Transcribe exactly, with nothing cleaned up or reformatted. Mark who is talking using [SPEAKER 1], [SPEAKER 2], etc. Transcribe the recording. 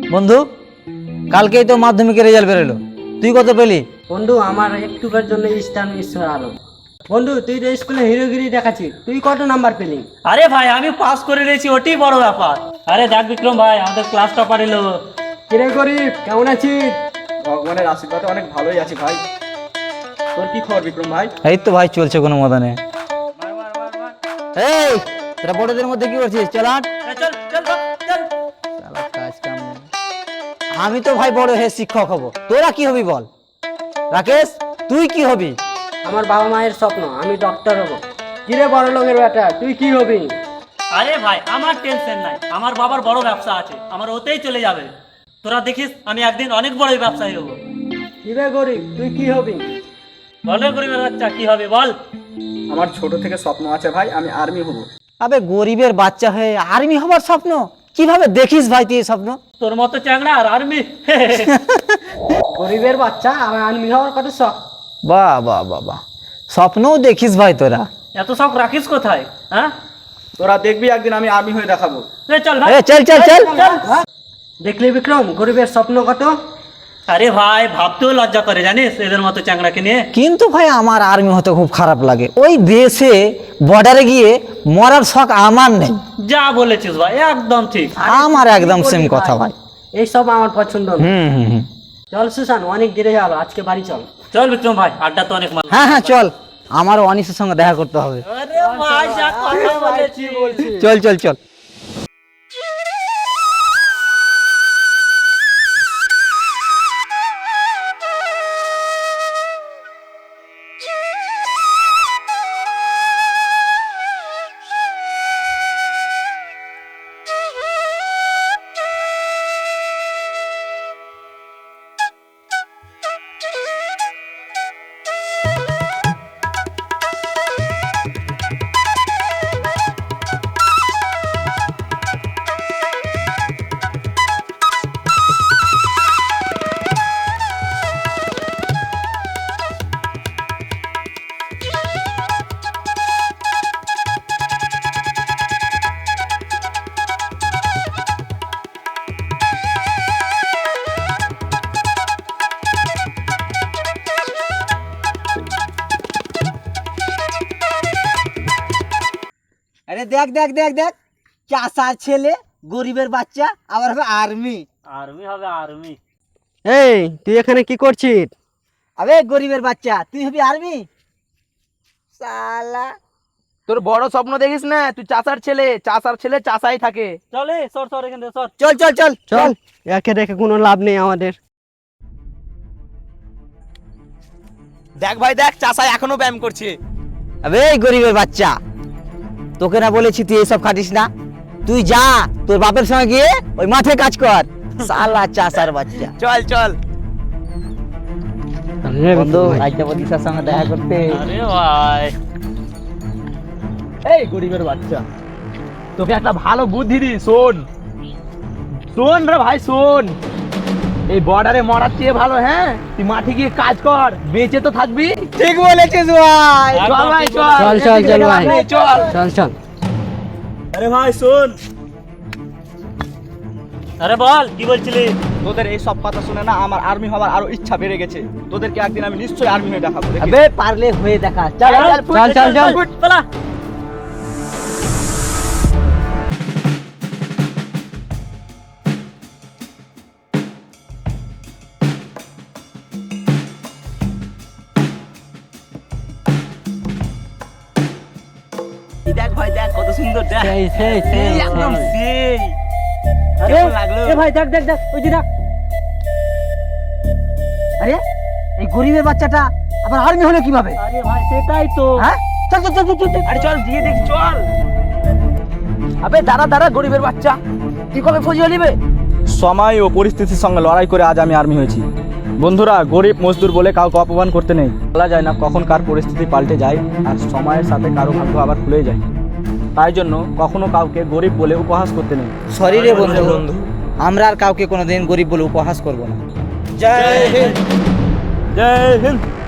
[SPEAKER 1] বন্ধু, কালকেই তো মাধ্যমিকের রেজাল্ট বেরোলো, তুই কত পেলি?
[SPEAKER 2] বন্ধু আমার একটুকার জন্য স্টার মিস হয়ে আলো। বন্ধু তুই তো স্কুলে হিরোগিরি দেখাচ্ছিস, তুই কত নাম্বার পেলি?
[SPEAKER 3] আরে ভাই আমি পাস করে রয়েছি, ওটাই বড় ব্যাপার। আরে দেখ বিক্রম ভাই, আমাদের ক্লাস টপার এলো।
[SPEAKER 2] কিরে গরিব, কেমন আছিস?
[SPEAKER 4] ভগবানের আশীর্বাদে অনেক ভালোই আছি ভাই। তোর কি খবর বিক্রম ভাই?
[SPEAKER 1] এই তো ভাই চলছে কোনো মদনে। এই তোরা বড়দের মধ্যে কি করছিস? চল আট।
[SPEAKER 3] চল চল চল।
[SPEAKER 1] শালা কাজ কাম নেই। আমি তো ভাই বড় হয়ে শিক্ষক হব, তোরা কি হবি বল? রাকেশ তুই কি হবি?
[SPEAKER 2] আমার বাবা মায়ের স্বপ্ন আমি ডক্টর হব। কিরে বড় লোকের বেটা, তুই কি হবি?
[SPEAKER 3] আরে ভাই আমার টেনশন নাই, আমার বাবার বড় ব্যবসা আছে, আমার ওতেই চলে যাবে। তোরা দেখিস আমি একদিন অনেক বড় ব্যবসায়ী হবো।
[SPEAKER 2] কিরে গরিব, তুই কি হবি?
[SPEAKER 3] বলো গরিবের বাচ্চা কি হবে বল?
[SPEAKER 4] আমার ছোট থেকে স্বপ্ন আছে ভাই, আমি আর্মি হব।
[SPEAKER 1] আবে গরিবের বাচ্চা হয়ে আর্মি হবার স্বপ্ন কিভাবে দেখিস ভাই তুই এই স্বপ্ন?
[SPEAKER 3] তোর মতো চ্যাংড়া আর আর্মি।
[SPEAKER 2] গরিবের বাচ্চা আমার আর্মি হওয়ার কত শখ।
[SPEAKER 1] বাহ বাহ বাহ বাহ, স্বপ্নও দেখিস ভাই তোরা।
[SPEAKER 3] এত শখ রাখিস কোথায়? হ্যাঁ
[SPEAKER 4] তোরা দেখবি একদিন আমি আর্মি হয়ে দেখাবো।
[SPEAKER 3] রে চল ভাই।
[SPEAKER 1] এ চল চল চল।
[SPEAKER 2] দেখলি বিক্রম, গরিবের স্বপ্ন কত।
[SPEAKER 3] আরে ভাই ভাবতেও লজ্জা করে জানিস এদের মতো চ্যাংড়াকে নিয়ে।
[SPEAKER 1] কিন্তু ভাই আমার আর্মি হতে খুব খারাপ লাগে, ওই দেশে বর্ডারে গিয়ে মরার শখ আমার নেই।
[SPEAKER 3] যা বলেছিস ভাই একদম ঠিক।
[SPEAKER 1] আমার একদম সেম কথা ভাই।
[SPEAKER 2] এইসব আমার পছন্দ না।
[SPEAKER 1] হুম হুম হুম।
[SPEAKER 2] চল সুশান, অনেক দেরি হলো, আজকে বাড়ি চল।
[SPEAKER 3] চল বিক্রম ভাই, আড্ডা তো অনেক মাল।
[SPEAKER 1] হ্যাঁ হ্যাঁ চল, আমারও অনিশের সঙ্গে দেখা করতে হবে।
[SPEAKER 3] আরে ভাই যা কথা বলেছি বলছি।
[SPEAKER 1] চল চল চল। আরে দেখ দেখ দেখ দেখ, চাষার ছেলে গরিবের বাচ্চা আবার হবে আর্মি।
[SPEAKER 3] আর্মি হবে আর্মি।
[SPEAKER 2] এই তুই এখানে কি করছিস?
[SPEAKER 1] আবে গরিবের বাচ্চা তুই হবি আর্মি? শালা
[SPEAKER 4] তোর বড় স্বপ্ন দেখিস না, তুই চাষার ছেলে, চাষার ছেলে চাষাই থাকে।
[SPEAKER 3] চলে সর সর এখান থেকে সর।
[SPEAKER 1] চল চল চল চল।
[SPEAKER 2] একে দেখে কোনো লাভ নেই আমাদের।
[SPEAKER 4] দেখ ভাই দেখ, চাষাই এখনো ব্যায়াম করছে।
[SPEAKER 1] আবে গরিবের বাচ্চা, তোকে না বলেছি তুই এসব খাটিস না? তুই যা তোর বাপের সঙ্গে গিয়ে ওই মাঠে কাজ কর। শালা চাষার বাচ্চা।
[SPEAKER 4] চল চল।
[SPEAKER 1] বন্ধু রাজ্যপতির সঙ্গে দেখা করতে।
[SPEAKER 3] আরে ভাই
[SPEAKER 4] এই গরিবের বাচ্চা, তোকে একটা ভালো বুদ্ধি দি, শোন শোন রে ভাই শোন। এই বর্ডারে মরার চেয়ে ভালো, হ্যাঁ তুই মাঠে গিয়ে কাজ কর, বেঁচে তো থাকবি।
[SPEAKER 1] ঠিক বলেছিস ভাই।
[SPEAKER 4] চল ভাই চল
[SPEAKER 2] চল, চল, চল ভাই।
[SPEAKER 4] চল।
[SPEAKER 2] চল চল।
[SPEAKER 4] আরে ভাই শোন,
[SPEAKER 3] আরে বল কি বলছিলি?
[SPEAKER 4] তোদের এই সব কথা শুনে না আমার আর্মি হওয়ার আরো ইচ্ছা বেড়ে গেছে। তোদেরকে একদিন আমি নিশ্চয়ই আর্মি হয়ে দেখাবো। দেখিস।
[SPEAKER 1] আবে পারলে হয়ে দেখা। চল চল
[SPEAKER 2] চল চল চল।
[SPEAKER 3] পালা।
[SPEAKER 4] এই দেখ ভাই দেখ কত সুন্দর দেখ।
[SPEAKER 2] সেই সেই সেই
[SPEAKER 4] এই একদম সেই।
[SPEAKER 2] আরে
[SPEAKER 4] কেমন লাগলো?
[SPEAKER 2] এ ভাই দেখ দেখ দেখ, ওই যে দেখ।
[SPEAKER 1] আরে এই গরিবের বাচ্চাটা আবার আর্মি হলো কিভাবে?
[SPEAKER 3] আরে ভাই সেটাই তো।
[SPEAKER 1] হ্যাঁ চল চল চল চল, চল।
[SPEAKER 4] আরে চল দিয়ে দেখি চল। আবে দাঁড়া দাঁড়া গরিবের বাচ্চা, তুই কবে ফৌজি হলিবে? সময় ও পরিস্থিতির সঙ্গে লড়াই করে আজ আমি আর্মি হয়েছি। বন্ধুরা, গরিব মজদুর বলে কাউকে অপমান করতে নেই। বলা যায় না কখন কার পরিস্থিতি পাল্টে যায়, আর সময়ের সাথে কারো ভাগ্য আবার খুলে যায়। তাই জন্য কখনো কাউকে গরিব বলে উপহাস করতে নেই।
[SPEAKER 1] সরি রে বন্ধু, আমরা আর কাউকে কোনোদিন গরিব বলে উপহাস করব না।
[SPEAKER 4] জয় হিন্দ। জয় হিন্দ।